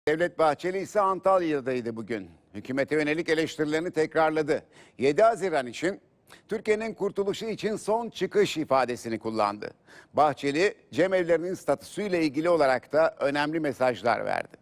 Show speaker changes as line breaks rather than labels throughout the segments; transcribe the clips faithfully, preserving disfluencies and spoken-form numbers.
Devlet Bahçeli ise Antalya'daydı bugün. Hükümete yönelik eleştirilerini tekrarladı. yedi Haziran için Türkiye'nin kurtuluşu için son çıkış ifadesini kullandı. Bahçeli, cemevlerinin statüsüyle ilgili olarak da önemli mesajlar verdi.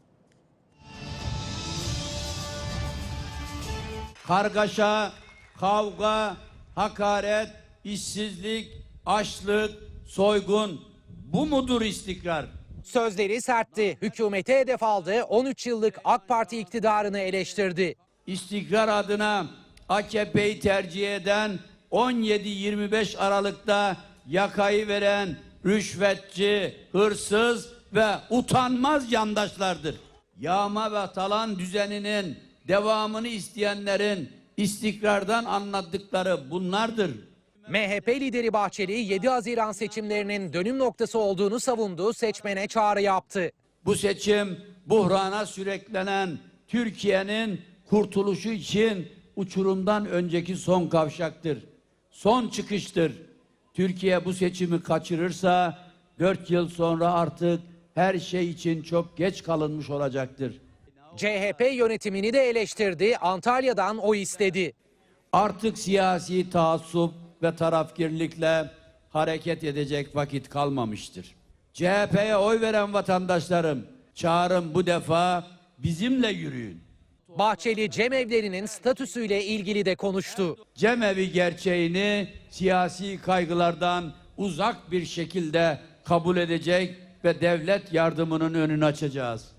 Kargaşa, kavga, hakaret, işsizlik, açlık, soygun, bu mudur istikrar?
Sözleri sertti. Hükümete hedef aldı. on üç yıllık AK Parti iktidarını eleştirdi.
İstikrar adına A K P'yi tercih eden on yedi yirmi beş Aralık'ta yakayı veren rüşvetçi, hırsız ve utanmaz yandaşlardır. Yağma ve talan düzeninin devamını isteyenlerin istikrardan anladıkları bunlardır.
M H P lideri Bahçeli yedi Haziran seçimlerinin dönüm noktası olduğunu savundu, seçmene çağrı yaptı.
Bu seçim buhrana sürüklenen Türkiye'nin kurtuluşu için uçurumdan önceki son kavşaktır. Son çıkıştır. Türkiye bu seçimi kaçırırsa dört yıl sonra artık her şey için çok geç kalınmış olacaktır.
C H P yönetimini de eleştirdi, Antalya'dan oy istedi.
Artık siyasi taassup ve tarafgirlikle hareket edecek vakit kalmamıştır. C H P'ye oy veren vatandaşlarım, çağrım bu defa bizimle yürüyün.
Bahçeli cemevlerinin statüsüyle ilgili de konuştu.
Cemevi gerçeğini siyasi kaygılardan uzak bir şekilde kabul edecek ve devlet yardımının önünü açacağız.